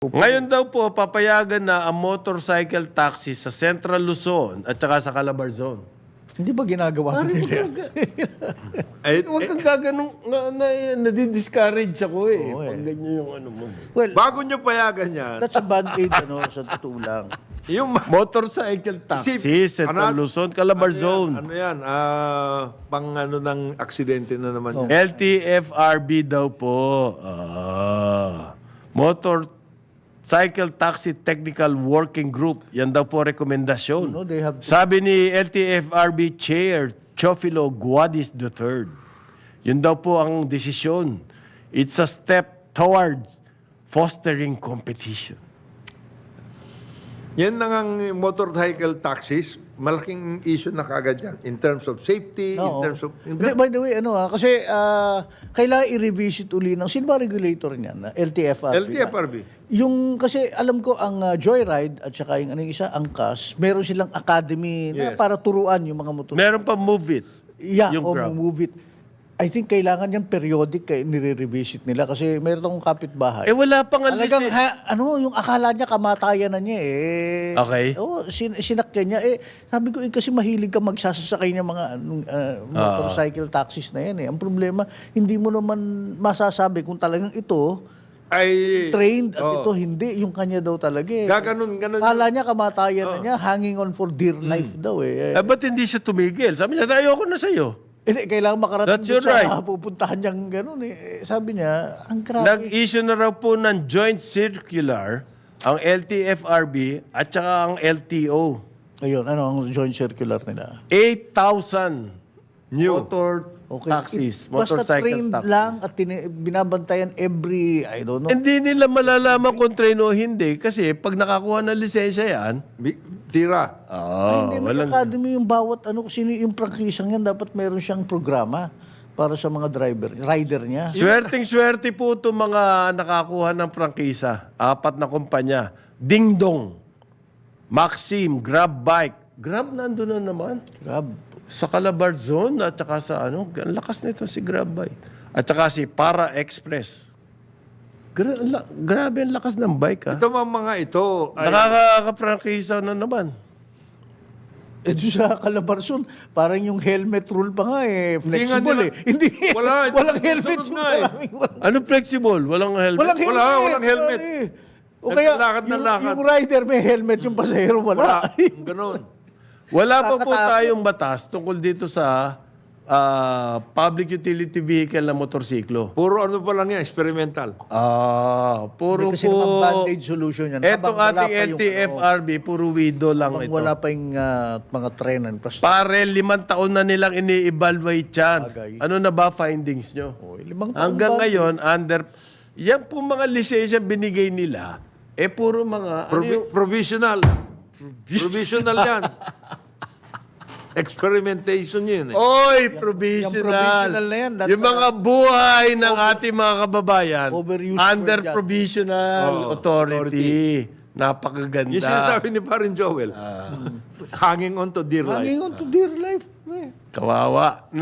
Ngayon daw po, papayagan na ang motorcycle taxi sa Central Luzon at saka sa Calabar Zone. Hindi ba ginagawa nila? Huwag kang gaganong, nadi-discourage ako eh. Pag ganyan yung ano mo. Well, Bago nyo payagan yan, that's a bad aid, sa totoo lang. yung Motorcycle taxi, Central Luzon, Calabar Zone. Ano yan? Pang ano ng aksidente na naman yan. LTFRB daw po. Motorcycle Taxi Technical Working Group. Yan daw po rekomendasyon. No, they have to- Sabi ni LTFRB Chair Chofilo Guadis III. Yun daw po ang desisyon. It's a step towards fostering competition. Yan na ang motorcycle taxis, malaking issue na kagad yan. In terms of safety, in Oo. terms of... Hindi, by the way, kasi kailangan i-revisit uli ng, sino ba regulator niyan? LTFRB. LTFRB. Yung, kasi alam ko, ang Joyride at saka yung isa, ang CAS, meron silang academy na Yes. para turuan yung mga motor. Meron pa Move It. Yeah, yung o Grab. move it. I think kailangan yan periodic nire-revisit nila kasi meron akong kapitbahay. Wala pang Talagang, yung akala niya kamatayan na niya eh. Okay. Oo, sinakyan niya. Sabi ko, kasi mahilig ka magsasasakay ng mga motorcycle taxis na yan eh. Ang problema, hindi mo naman masasabi kung talagang ito Ay... trained at ito hindi. Yung kanya daw talaga eh. Ganun. Akala niya kamatayan na niya, hanging on for dear life daw eh. Ba't hindi siya tumigil? Sabi niya, ayoko na sa'yo. Kailangan makarating That's doon your right. sa pupuntahan niyang gano'n eh. Sabi niya, ang grabe. Nag-issue na raw po ng joint circular ang LTFRB at saka ang LTO. Ayun, ano ang joint circular nila? 8,000 New. motor taxis, Basta motorcycle trained taxis. lang at binabantayan every, I don't know. Hindi nila malalaman kung train o hindi kasi pag nakakuha ng lisensya yan, Tira. Hindi, may academy yung bawat, sino yung prangkisang yan, dapat meron siyang programa para sa mga rider niya. swerteng-swerte po itong mga nakakuha ng prangkisa. 4 na kumpanya. Ding Dong, Maxim, Grab Bike. Grab nandun na naman. Grab. Sa Calabar Zone at saka sa ang lakas nito si Grab Bike. At saka si Para Express. Grabe ang lakas ng bike ha. Ito mga ito ay... Nakaka-prangkisa na naman. Doon sa Calabarzon, parang yung helmet rule pa nga Hindi nga flexible nila- Hindi, Wala, walang ito helmet. sunod nga eh. Ano flexible? Walang helmet? Walang helmet. O kaya, Naglalakad na lakad. yung rider may helmet, yung pasahero wala. Ganon. Wala pa po Nakakatakot. tayong batas tungkol dito sa public utility vehicle na motorsiklo. Puro ano pa lang yan, experimental. Puro Kasi po... naman band-aid solution yan. Etong Habang wala ating pa yung, LTFRB, puro widow lang habang ito. wala pa yung mga trenan. Pare, 5 taon na nilang ini-evaluate yan. Bagay. Ano na ba findings nyo? 5 taon Hanggang ba? ngayon, yan po mga lisensya binigay nila, puro mga... Provisional. Provisional yan. Experimentation yun eh. Oy, Yung provisional. provisional na yan, that's Yung mga buhay ng ating mga kababayan Overused under word yan. provisional authority. Napakaganda. Yung sinasabi ni Parin Joel, hanging on to dear life. Hanging on to dear life. Kawawa.